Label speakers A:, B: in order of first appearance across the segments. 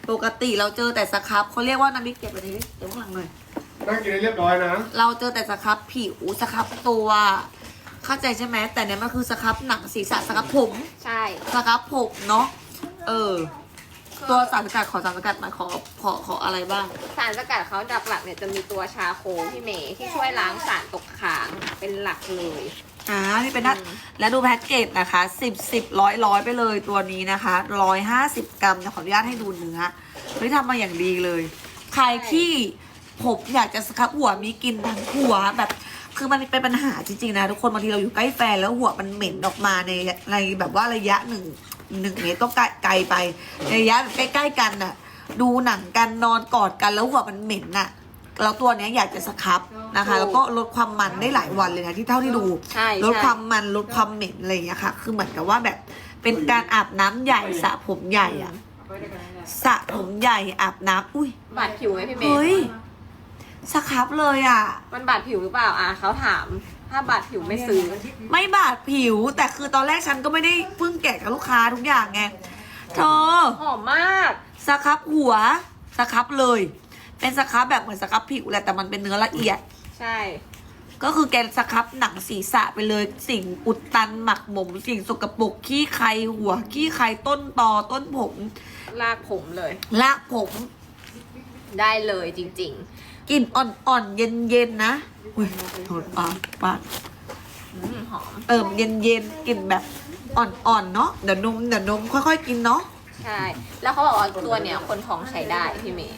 A: ปกติเราเจอแต่สครับเขาเรียกว่าน้ำพริกเก็บไปดิเดี๋ยวข้างหลังหน่อย
B: นั่งกินให้เรียบร้อยนะ
A: เราเจอแต่สครับผิวสครับตัวเข้าใจใช่ไหมแต่เนี่ยมันคือสครับหนังศีรษะสครับผม
C: ใช่
A: สครับผมเนาะตัวสารสกัดขอสารสกัดมาขออะไรบ้าง
C: สารสกัดเขาหลักๆเนี่ยจะมีตัวชาโคพี่เมย์ที่ช่วยล้างสารตกค้างเป็นหลักเลย
A: นี่เป็นนัดแล้วดูแพ็กเกจนะคะ10 ไปเลยตัวนี้นะคะ150 กรัมจะขออนุญาตให้ดูเนื้อเฮ้ยทำมาอย่างดีเลย ใครที่ผมอยากจะสครับหัวมีกลินทั้งหัวแบบคือมันเป็นปัญหาจริงๆนะทุกคนบางทีเราอยู่ใกล้แฟนแล้วหัวมันเหม็นออกมาในแบบว่าระยะหนึ่งเมตรต้องไกลไปในระยะใกล้ๆกันน่ะดูหนังกันนอนกอดกันแล้วหัวมันเหม็นน่ะแล้วตัวเนี้ยอยากจะสครับนะคะ แล้วก็ลดความมันได้หลายวันเลยนะที่เท่าที่ดู
C: ใช่
A: ลดความมันลดความเหม็นอะไรอย่างเงี้ยค่ะ คือเหมือนกับว่าแบบเป็นการอาบน้ำใหญ่สระผมใหญ่อะสระผมใหญ่อาบน้ำอุ้ย
C: บาดผิวไหมพี่เมย์
A: เฮ้ยสครับเลยอะ
C: มันบาดผิวหรือเปล่าเขาถาม ถ้าบาดผิวไม่ซื้อ
A: ไม่บาดผิว แต่คือตอนแรกฉันก็ไม่ได้เพิ่งแกะกับลูกค้าทุกอย่างไงเธอ
C: หอมมาก
A: สครับหัวสครับเลย เป็นสครับแบบเหมือนสครับผิวแหละแต่มันเป็นเนื้อละเอียด
C: ใช่
A: ก็คือแกนสครับหนังศีรษะไปเลยสิ่งอุดตันหมักหมมสิ่งสกปรกขี้ใครหัวขี้ใครต้นตอต้นผม
C: ลากผมเลย
A: ลากผม
C: ได้เลยจริง
A: กลิ่นอ่อนๆ เย็นๆนะอุ้ยโทษปาก
C: ๆหอม
A: เย็นๆกลิ่นแบบอ่อนๆเนาะเดี๋ยวนมค่อยๆกินเนาะ
C: ใช่ แล้วเขาบอกว่าตัวเนี่ยคนท้องใช้ได้พี่เมย์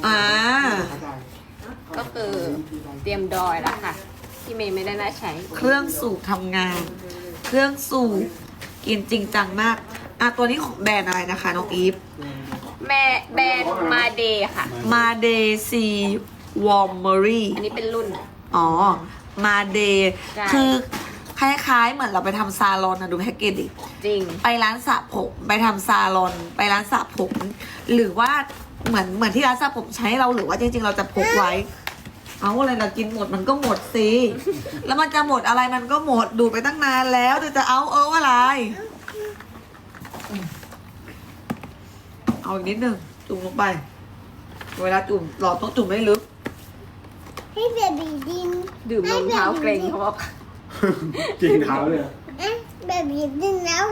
C: ก็คือเตรียมดอยแล้วค่ะพี่เมย์ไม่ได้น่าใช้
A: เครื่องสูบทำงาน เครื่องสูบกินจริงจังมากตัวนี้ของแบรนด์อะไรนะคะน้องอีฟ
C: แม่แบรนด์มาเดย์ค่ะ
A: มาเดซีวอร์มเมอรี่
C: อันนี้เป็นรุ่น
A: มาเดย์
C: ใช่
A: คือคล้ายๆเหมือนเราไปทำซาลอนนะดูแพ็กเกจดิ
C: จริง
A: ไปร้านสระผมไปทำซาลอนไปร้านสระผม หรือว่าเหมือนที่ร้านสระผมใช้เราหรือว่าจริงๆเราจะพกไว้ เอาอะไรเรากินหมดมันก็หมดสิ แล้วมันจะหมดอะไรมันก็หมดดูดไปตั้งนานแล้วจะเอาอะไรเอาอีกนิดนึงจุ่มลงไปเวลาจุ่มหลอดต้องจุ่มไม่ลึก
D: ให้เบบีดิน
C: ดื่มนมเท้าเกรงเขาบอก
B: กินเท้าเลย
D: เบบีดินแล้ว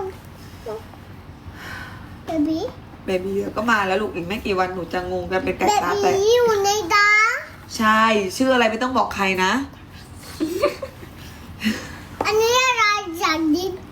D: เบบี
A: เบบีก็มาแล้วลูกอีกไม่กี่วันหนูจะงงกันเป็นไก่
D: เบ
A: ตา
D: บี
A: แตก
D: อยู่ในตา
A: ใช่ชื่ออะไรไม่ต้องบอกใครนะ
D: อันนี้อะไรจากดิน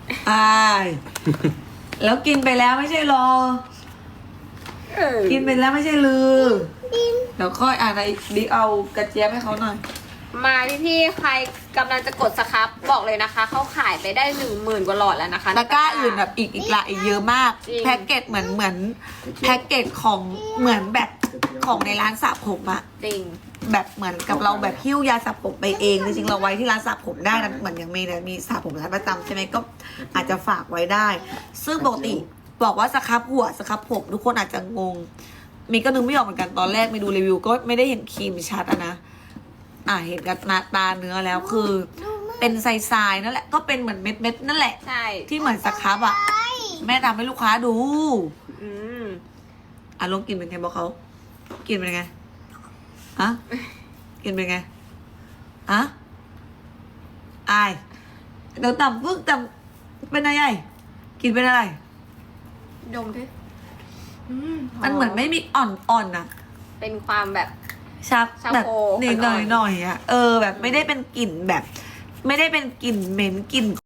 A: แล้วกินไปแล้วไม่ใช่หรอ กินไปแล้วไม่ใช่ลือ
D: ดิน
A: เดี๋ยวค่อยในบิ๊กเอากระเจี๊ยบให้เขาหน่อย
C: มาพี่ๆใครกำลังจะกดสครับบอกเลยนะคะ เขาขายไปได้ 10,000 กว่าหลอดแล้วนะคะ
A: ตะกร้าอื่นแบบอีกละอีกเยอะมาก
C: จริง
A: แพ็กเกจเหมือนแพ็กเกจของเหมือนแบบของในร้านสระผมอะ
C: จริง
A: แบบเหมือนกับเราแบบหิ้วยาสระผมไปเองจริงๆเราไว้ที่ร้านสระผมได้นะเหมือนอย่างเมย์เนี่ยมีสระผมร้านประจำใช่ไหมก็อาจจะฝากไว้ได้ ซึ่งปกติบอกว่าสครับหัวสครับผมทุกคนอาจจะงงมีก็นึกไม่ออกเหมือนกันตอนแรกมีดูรีวิวก็ไม่ได้เห็นครีมชัดอะนะเห็นกับตาเนื้อแล้วคือ เป็นทรายๆนั่นแหละก็เป็นเหมือนเม็ดๆนั่นแหละ
C: ใช่
A: ที่เหมือนสครับอะแม่ทำให้ลูกค้าดู
C: อืม
A: ลองกินเป็นไงบอกเขากินเป็นไงอะกินเป็นไงอะอายเดี๋ยวต่ำปึ๊กต่ำเป็นอะไรกินเป็นอะไร
C: ดมดิ
A: มันเหมือนไม่มีอ่อนๆนะ
C: เป็นความแบบ
A: ชัก
C: ชา
A: แบบ
C: โค
A: ห
C: อ่อนๆ
A: น่อยๆอะแบบไม่ได้เป็นกลิ่นแบบ ไม่ได้เป็นกลิ่นเหม็นกลิ่น